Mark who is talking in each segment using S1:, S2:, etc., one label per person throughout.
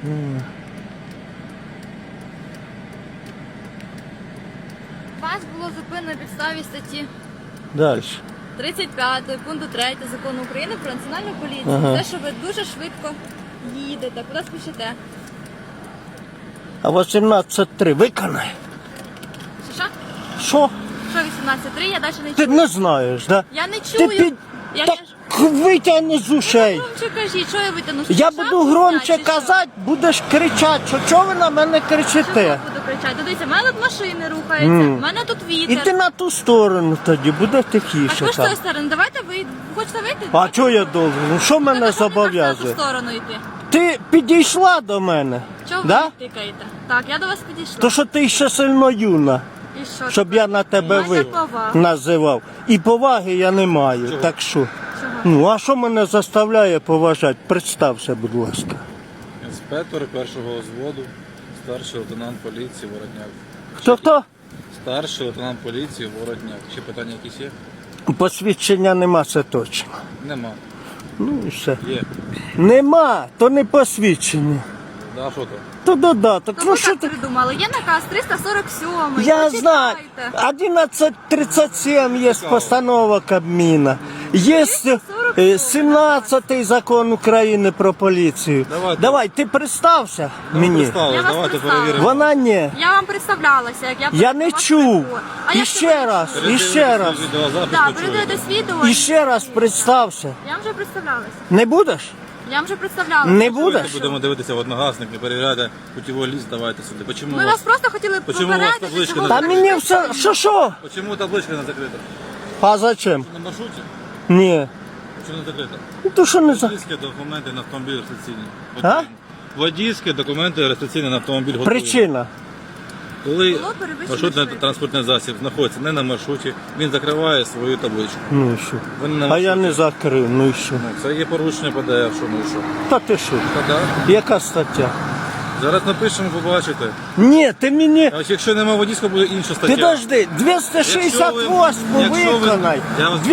S1: Вас було зупинено на підставі статті
S2: Далі.
S1: 35 пункту 3 закону України про національну поліцію.
S2: Ага.
S1: Те, що ви дуже швидко їдете, куди спішите.
S2: А 18.3 виконай.
S1: Що?
S2: Що?
S1: Що 18.3? Я далі не
S2: Ти
S1: чую.
S2: не знаєш, да?
S1: Я не
S2: Ти
S1: чую. Я
S2: Так
S1: ж...
S2: витягни з ушей.
S1: Громче кажіть, що я витягну?
S2: Я
S1: Шапку
S2: буду громче
S1: зняти, чи що?
S2: казати, будеш кричати, що чого ви на мене
S1: Чого
S2: кричите?
S1: буду кричати? Дивіться, в мене тут машини рухаються, в мене тут вітер.
S2: Іди на ту сторону тоді, буде
S1: А
S2: тихіше
S1: що ж з тої
S2: там.
S1: сторони? Давайте ви хочете вийти?
S2: А чого я должен? Ну що мене
S1: На ту
S2: зобов'язує?
S1: сторону йти.
S2: Ти підійшла до мене,
S1: Чого
S2: да?
S1: ви тикаєте? Так, я до вас підійшла.
S2: То що ти ще сильно юна,
S1: І що?
S2: щоб я на тебе
S1: Майте повагу.
S2: називав. І поваги я не маю, так що.
S1: Чого?
S2: Ну, а що мене заставляє поважати? Представся, будь ласка.
S3: Інспектор першого взводу, старший лейтенант поліції Воротняк.
S2: Хто-хто?
S3: Старший лейтенант поліції Воротняк. Ще питання якісь є?
S2: Посвідчення нема, це точно.
S3: Нема.
S2: Ну і все.
S3: Є.
S2: Нема, то не посвідчення.
S3: Да, що то?
S2: То додаток.
S1: То
S2: Ну
S1: ви
S2: що
S1: так
S2: ти?
S1: придумали? Є наказ 347.
S2: Я знаю.
S1: Почитайте.
S2: 11.37 є постанова Кабміна. Є 17-й закон України про поліцію.
S3: Давайте.
S2: Ти представся
S3: Ну,
S2: мені.
S3: представились,
S1: Я вас
S3: давайте
S1: представила.
S3: перевіримо.
S2: Вона ні.
S1: Я вам представлялася, як
S2: Я не
S1: до вас
S2: чув.
S1: прийду. А
S2: І
S1: як
S2: ще
S1: тебе
S2: раз,
S1: чую?
S2: і ще раз.
S1: Так, передивитесь відео.
S2: І ще раз представся.
S1: Я вам вже представлялася.
S2: Не будеш?
S1: Я вам вже представлялася.
S2: Не
S3: Давайте
S2: будеш?
S3: будемо дивитися в одногасник, не перевіряйте путівий ліст, давайте сюди. Почему
S1: Ми вас просто хотіли
S3: Почему у вас
S1: попередити,
S3: табличка
S1: чого
S3: на-
S2: Та
S1: ви
S2: мені
S1: не
S2: все. Що?
S3: Почему табличка не закрита?
S2: А зачем?
S3: На маршруті?
S2: Ні.
S3: Чому не закрита?
S2: Ну то що не за.
S3: Водійські документи на автомобіль реєстраційні.
S2: А?
S3: Готуємо. Водійські документи реєстраційні на автомобіль готуємо.
S2: Причина.
S3: Коли
S1: Було перевищено
S3: маршрутний
S1: швидкість.
S3: транспортний засіб знаходиться не на маршруті, він закриває свою табличку.
S2: Ну і що?
S3: Ви не на
S2: А я
S3: маршруті.
S2: не закрив, ну і що?
S3: Ну, це є порушення ПДР, що ну і що.
S2: Та ти що?
S3: Та да.
S2: Яка стаття?
S3: Зараз напишемо, побачите.
S2: Ні, ти мені.
S3: А якщо немає водійського, буде інша стаття.
S2: Підожди, 268
S3: Якщо ви-
S2: виконай,
S3: я вас-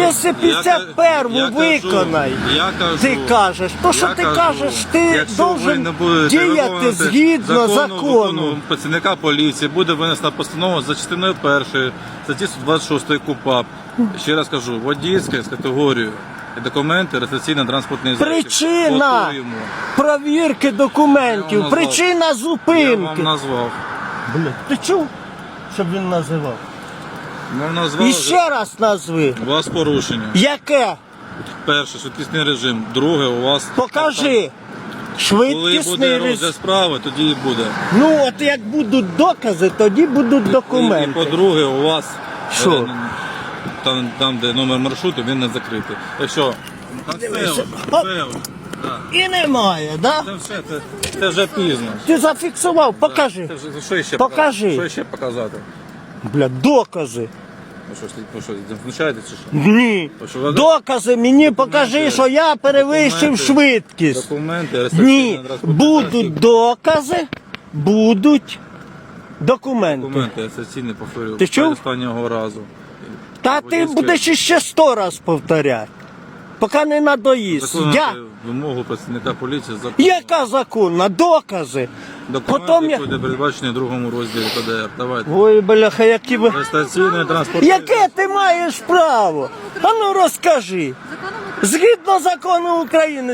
S2: 251
S3: я кажу,
S2: виконай.
S3: Я кажу,
S2: Ти кажеш, то що
S3: я
S2: ти
S3: кажу,
S2: кажеш, ти
S3: якщо ви
S2: должен
S3: не будете
S2: діяти
S3: виконувати
S2: згідно закону.
S3: закону працівника поліції, буде винесена постанова за частиною 1 статті 126 КУПАП. Ще раз кажу, водійське з категорією і документи, реєстраційно-транспортний засіб.
S2: Причина
S3: Готуємо.
S2: провірки
S3: Я
S2: документів,
S3: вам
S2: причина
S3: Я вам
S2: зупинки.
S3: назвав.
S2: Бля, ти чув, щоб він називав?
S3: Вам назвав.
S2: І ще раз назви.
S3: У вас порушення.
S2: Яке?
S3: Перше, швидкісний режим. Друге, у вас...
S2: Покажи.
S3: Коли
S2: Швидкісний
S3: буде
S2: режим.
S3: розгляд справи, тоді і буде.
S2: Ну от як будуть докази, тоді будуть
S3: І
S2: документи.
S3: по-друге, у вас
S2: Що?
S3: Там, де номер маршруту, він не закритий. Якщо
S2: Дивися. Оп. І немає, да?
S3: це все, це вже пізно.
S2: Ти зафіксував, покажи.
S3: Це вже, що ще
S2: Покажи.
S3: показати? Що ще показати?
S2: Бля, докази.
S3: Ви що, знущаєтеся чи що?
S2: Ні.
S3: Ви що, ви-
S2: Докази мені покажи, що я перевищив
S3: Документи.
S2: швидкість.
S3: Документи,
S2: Ні,
S3: реєстраційний транспортний
S2: будуть
S3: засіб.
S2: докази, будуть документи.
S3: Документи реєстраційні, повторюю,
S2: Ти чув?
S3: останнього разу.
S2: Та ти
S3: Водійське.
S2: будеш іще 100 раз повторяти, поки не надоїсть. Я...
S3: Виконувати вимогу працівника поліції за
S2: Яка законна? Докази.
S3: документи,
S2: Потім я...
S3: які буде передбачені в другому розділі ПДР. Давайте.
S2: Ой, бляха, які ви...
S3: Реєстраційний транспортний
S2: Яке ти маєш право? А ну розкажи.
S1: Законом України.
S2: Згідно закону України,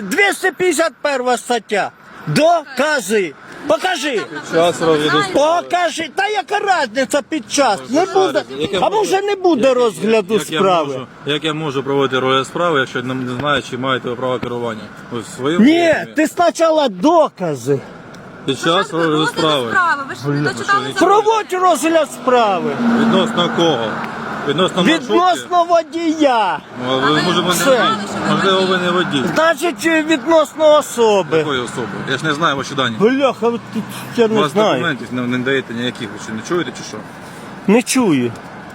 S2: 251 стаття. Докази. Покажи.
S3: час розгляду справи.
S2: Покажи. Та яка різниця під час? Не
S3: Зараз,
S2: буде.
S3: як я
S2: А
S3: можу-
S2: може не буде розгляду
S3: як я
S2: справи?
S3: як я можу проводити розгляд справи, якщо не знаю, чи маєте ви право керування? Ви в своєму
S2: Ні,
S3: розумі?
S2: ти спочатку докази.
S3: Під час розгляду справи.
S1: Ви ж не дочитали закон.
S2: Проводь розгляд справи.
S3: Відносно кого? Відносно маршрутки?
S2: Відносно водія.
S3: Ну, а ви, може, ви не
S2: Все.
S3: водій. Можливо, ви не водій.
S2: Значить, відносно особи.
S3: Якої особи? Я ж не знаю ваші дані.
S2: Бляха, тут я
S3: У
S2: не
S3: вас
S2: знаю.
S3: документів не даєте ніяких, ви що, не чуєте чи що?
S2: Не чую.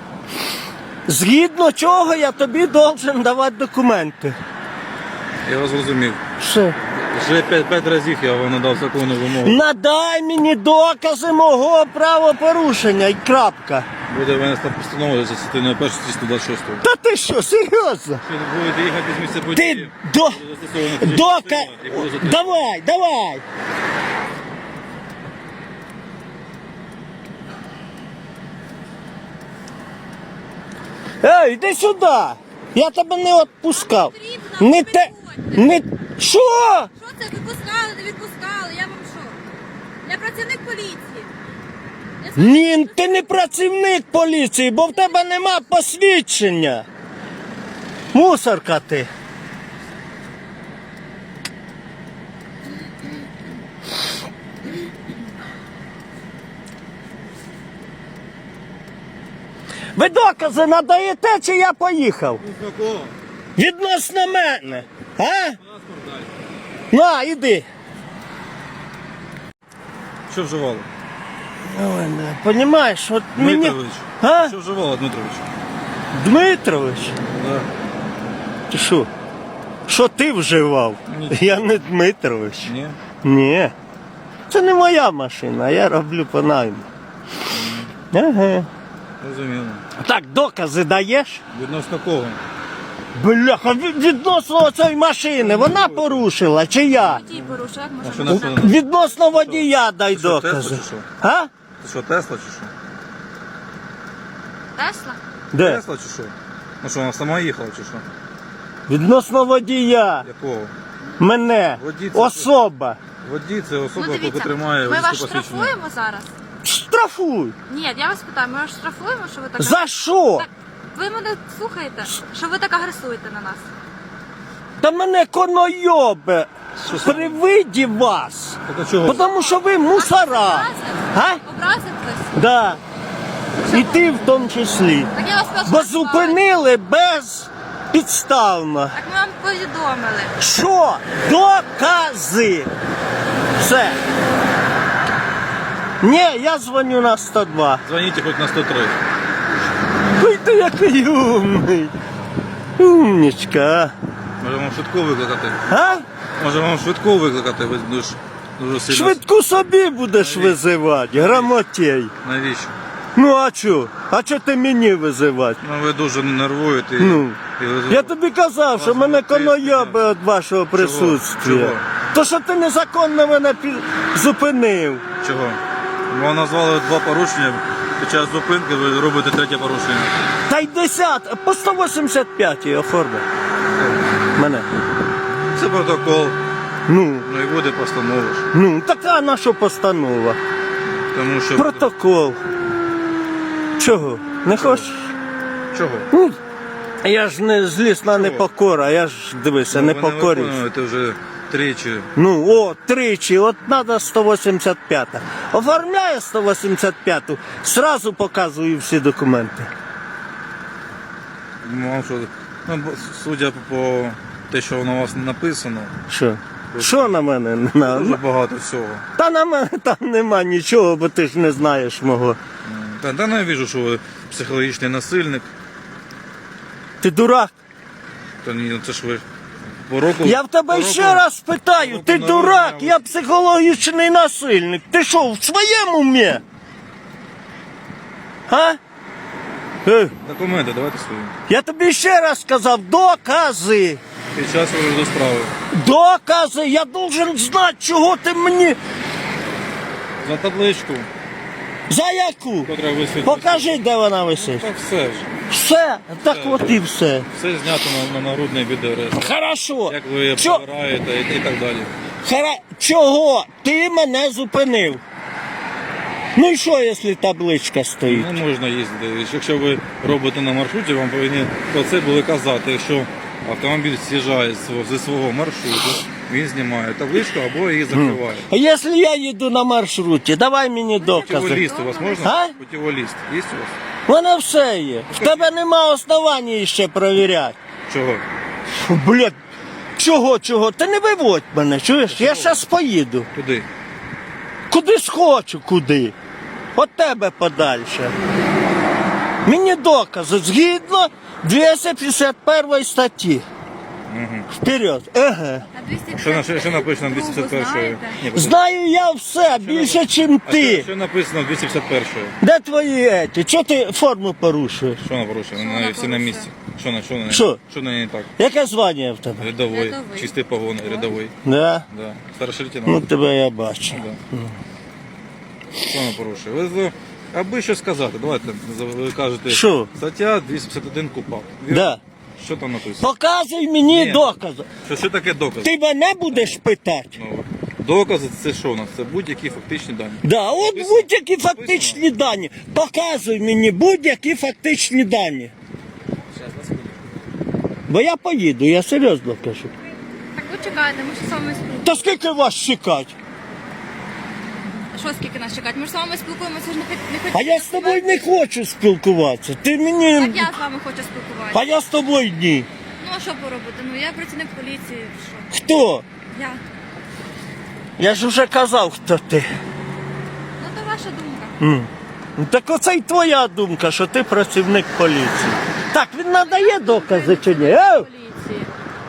S2: Згідно чого я тобі должен давати документи.
S3: Я вас зрозумів.
S2: Що?
S3: Вже 5 разів я вам надав законну вимогу.
S2: Надай мені докази мого правопорушення і крапка.
S3: Буде винесена постанова за частиною 1 статті 126.
S2: Та ти що, серйозно?
S3: Ви будете їхати з місця
S2: Ти
S3: події.
S2: до...
S3: Буде застосована фізична
S2: Дока...
S3: сила і буде затримано.
S2: Давай, давай. Ей, іди сюди! Я тебе не відпускав. Не те. Не. Що?
S1: Що це? Відпускали, не відпускали? Я вам що? Я працівник поліції. Я знаю,
S2: Ні, ти не працівник поліції, бо в тебе нема посвідчення. Мусорка ти. Ви докази надаєте, чи я поїхав?
S3: Какого?
S2: Відносно мене. А?
S3: Паспорт дай.
S2: На, іди.
S3: Що вживали?
S2: Понімаєш, от мені...
S3: Дмитрович.
S2: А?
S3: Що вживали, Дмитрович?
S2: Дмитрович?
S3: Да.
S2: Ти що? Що ти вживав?
S3: Ні.
S2: Я не Дмитрович.
S3: Ні?
S2: Ні. Це не моя машина, я роблю по найму. Ага.
S3: Розуміло.
S2: Так, докази даєш?
S3: Відносно кого?
S2: Бляха, відносно цієї машини, вона порушила чи я?
S1: водій порушив, як
S3: А що
S1: можна?
S3: на що?
S2: Відносно водія дай
S3: Що, Тесла
S2: докази.
S3: чи що?
S2: А?
S3: Ти що, Тесла чи що?
S1: Тесла?
S2: Де?
S3: Тесла чи що? Ну що, вона сама їхала чи що?
S2: Відносно водія.
S3: Якого?
S2: Мене.
S3: Водій це-
S2: Особа.
S3: Водій це особа,
S1: Ну
S3: яка
S1: дивіться,
S3: тримає
S1: ми
S3: водійське
S1: вас
S3: посвідчення.
S1: штрафуємо зараз?
S2: Штрафуй.
S1: Ні, я вас питаю, ми вас штрафуємо, що ви так...
S2: За що?
S1: Так, ви мене слухаєте, що ви так агресуєте на нас?
S2: Та мене конойобе при виді вас.
S3: Так а чого?
S2: Тому що ви мусора. А?
S1: Образив хтось?
S2: Да. І ти в тому числі.
S1: Так я вас прошу.
S2: Бо зупинили безпідставно.
S1: Так ми вам повідомили.
S2: Що? Докази. Все. Ні, я дзвоню на 102.
S3: Дзвоніть хоч на 103.
S2: Ой, ти який умний. Умнічка.
S3: Може вам швидку викликати?
S2: А?
S3: Може вам швидку викликати? Ви дуже сильно...
S2: Швидку собі будеш визивати, грамотєй.
S3: Навіщо?
S2: Ну а чо? А чо ти мені визивати?
S3: Ну ви дуже нервуєте.
S2: Ну,
S3: і ви...
S2: я тобі казав, що
S3: Вас
S2: мене
S3: тисне.
S2: конойоби від вашого присутствия.
S3: Чого?
S2: То, що ти незаконно мене зупинив.
S3: Чого? Вам назвали 2 порушення. Під час зупинки ви робите 3 порушення.
S2: Та й 10, по 185 оформи. Мене.
S3: Це протокол.
S2: Ну,
S3: Ну і буде постанова ж.
S2: ну, така наша постанова.
S3: Тому що...
S2: Протокол. Чого? Не хочеш?
S3: Чого?
S2: Ну, я ж не злісна непокора, я ж дивися, не
S3: Ви
S2: покорюсь.
S3: виконуєте вже тричі.
S2: Ну, о, тричі, от треба 185. Оформляє 185, сразу показую всі документи.
S3: Вам що... Ну, судя по те, що на вас написано,
S2: Що? Що на мене?
S3: дуже багато всього.
S2: Та на мене там нема нічого, бо ти ж не знаєш мого.
S3: Та не вижу, що ви психологічний насильник.
S2: Ти дурак?
S3: Та ні, ну це ж ви по року...
S2: Я в тебе
S3: по
S2: ще
S3: року-
S2: раз питаю,
S3: року
S2: ти
S3: народження
S2: дурак,
S3: ви-
S2: я психологічний насильник. Ти що, в своєму умі? А?
S3: Документи, давайте свої.
S2: Я тобі ще раз сказав, докази.
S3: Під час розгляду справи.
S2: Докази, я должен знати, чого ти мені.
S3: За табличку,
S2: За яку?
S3: котра висить.
S2: Покажи, де вона висить.
S3: Так все ж.
S2: Все, так от і все.
S3: Все знято на нагрудний відеореєстр.
S2: Хорошо.
S3: Як ви
S2: Чо-
S3: побираєте і так далі.
S2: Чого ти мене зупинив? Ну і що, якщо табличка стоїть?
S3: Не можна їздити. Якщо ви робите на маршруті, вам повинні про це були казати. Якщо автомобіль з'їжджає зі свого маршруту, він знімає табличку або її закриває.
S2: А якщо я їду на маршруті, давай мені докази.
S3: Путіволіст у вас можна?
S2: А?
S3: Путіволіст. Є у вас?
S2: У мене все є. В тебе нема основані ще перевіряти.
S3: Чого?
S2: Фу, блядь, чого? Ти не виводь мене, чуєш? Я зараз поїду.
S3: Куди?
S2: Куди схочу, куди? От тебе подальше. Мені докази згідно 251 статті.
S3: Угу.
S2: Вперед. Ага.
S3: Що написано в 251-ї? Ні,
S2: Знаю я все, більше, ніж
S3: а
S2: ти.
S3: що написано в 251-ї?
S2: Де твої еті? Чого ти форму порушуєш?
S3: Що вона порушує? Вона всі на місці. Що?
S2: Що?
S3: Що на ній не так?
S2: Яке звання в тебе?
S3: Рядовий.
S1: Рядовий.
S3: Чистий погон, рядовий.
S2: Да?
S3: Да. Старший
S2: Ну
S3: лейтенант.
S2: тебе я бачу.
S3: Да. Що вона порушує? Ви Аби що сказати, давайте, ви кажете,
S2: Що?
S3: стаття 251 КУпАП.
S2: Да.
S3: Що там написано?
S2: Показуй мені
S3: Ні.
S2: докази.
S3: Що таке докази?
S2: Ти мене будеш питати?
S3: Ну, докази це що у нас? Це будь-які фактичні дані.
S2: Да, от
S3: Написано.
S2: будь-які фактичні дані. Показуй мені будь-які фактичні дані. Бо я поїду, я серйозно кажу.
S1: Так ви чекайте, ми ж з вами спілкуємося.
S2: Та скільки вас чекати?
S1: Що скільки нас чекати? Ми ж з вами спілкуємося, ж не
S2: А
S1: хочемо.
S2: я з тобою не хочу спілкуватися. Ти
S1: Так
S2: мені.
S1: я з вами хочу спілкуватися.
S2: А я з тобою ні.
S1: Ну а що поробити? Ну я працівник поліції. Що?
S2: Хто?
S1: Я.
S2: Я ж вже казав, хто ти.
S1: Ну то ваша думка.
S2: Ну, так оце й твоя думка, що ти працівник поліції. Так, він надає докази чи ні?
S1: Поліції.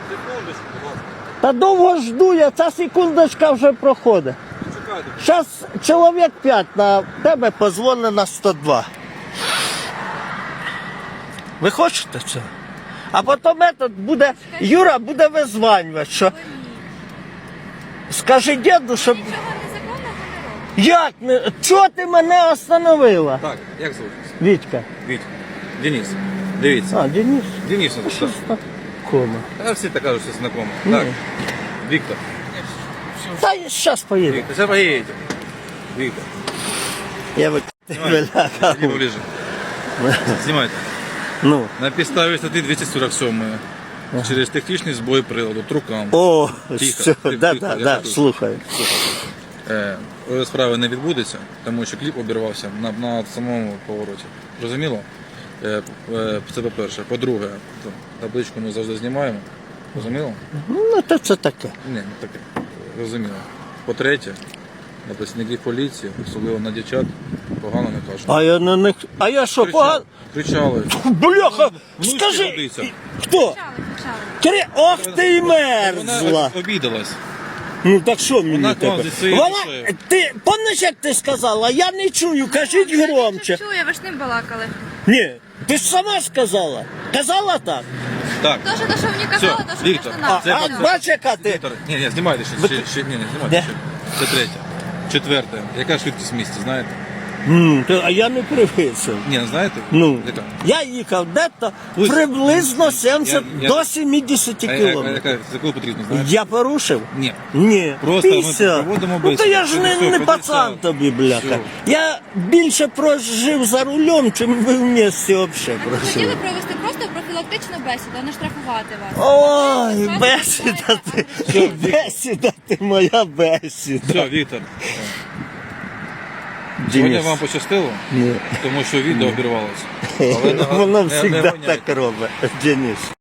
S2: Та довго жду я, ця секундочка вже проходить. Зараз чоловік 5 на тебе позвонить на 102. Ви хочете це? А потім метод буде, Юра буде визванювати, що
S1: Ви ні.
S2: скажи діду, щоб...
S1: Нічого незаконного не робите.
S2: Як не... Чого ти мене остановила?
S3: Так, як звуть?
S2: Вітька.
S3: Віть. Денис. Дивіться.
S2: А, Денис.
S3: Денис, ну,
S2: Що ж так? Кома.
S3: Та всі так кажуть, що знакомо.
S2: Ні.
S3: Так. Віктор.
S2: Та зараз поїду.
S3: Віктор, зараз поїдете. Віктор.
S2: Я би
S3: Иди поближе. Знімайте.
S2: Ну.
S3: На підставі статті 247 через технічний збой приладу, трукам.
S2: О,
S3: Тихо,
S2: все,
S3: тихо,
S2: да,
S3: тихо,
S2: да,
S3: я
S2: да,
S3: тут.
S2: слухаю.
S3: Справи не відбудеться, тому що кліп обірвався на самому повороті. Розуміло? Це по-перше. По-друге, табличку ми завжди знімаємо. Розуміло?
S2: Ну, то це таке.
S3: Ні, не таке. Розуміло. По-третє, на працівників поліції, особливо на дівчат, погано не кажуть.
S2: А я на них. А я що, погано?
S3: Кричали.
S2: Бляха!
S3: Внучки
S2: Скажи!
S3: годиться.
S2: Хто?
S1: Почали.
S2: Ох ти й мерзла!
S3: Вона обідалась.
S2: Ну так що мені
S3: Вона к вам
S2: тепер?
S3: зі своєю
S2: Вона,
S3: душею.
S2: ти, пам'ятаєш, як ти сказала? Я не чую, кажіть громче.
S1: Чую, ви ж ним балакали.
S2: Ні, ти ж сама сказала. Казала так?
S3: Так.
S1: То, що мені казали, то, що
S3: Віктор,
S1: можна
S3: це
S1: нам.
S3: пацан.
S2: бач, яка ти?
S3: Віктор, ні, знімайте ще, не знімайте
S2: Де?
S3: ще. Це третє. Четверте. Яка швидкість в місті, знаєте?
S2: А я не привисив.
S3: Ні, не знаєте?
S2: Ну,
S3: Яка?
S2: я їхав дето
S3: Ось.
S2: приблизно 70
S3: Я-
S2: до 70
S3: А
S2: кілометрів.
S3: яка, за коли потрібно, знаєте?
S2: Я порушив?
S3: Ні.
S2: Ні.
S3: Просто ми
S2: 50.
S3: проводимо
S2: Ну то
S3: бесіду.
S2: я ж не
S3: 50.
S2: пацан тобі, бляха.
S3: Все.
S2: Я більше прожив за рулем, чим ви в місті взагалі
S1: Ми хотіли
S2: прожили.
S1: провести просто профілактичну бесіду, а не штрафувати вас.
S2: Ой,
S1: Вас
S2: бесіда ти,
S3: Все,
S2: бесіда ти, моя бесіда.
S3: Все, Віктор. Сьогодні
S2: Денис.
S3: вам пощастило,
S2: Ні.
S3: тому що відео обірвалося.
S2: Воно
S3: не
S2: завжди
S3: гоняйте.
S2: так робить, Денис.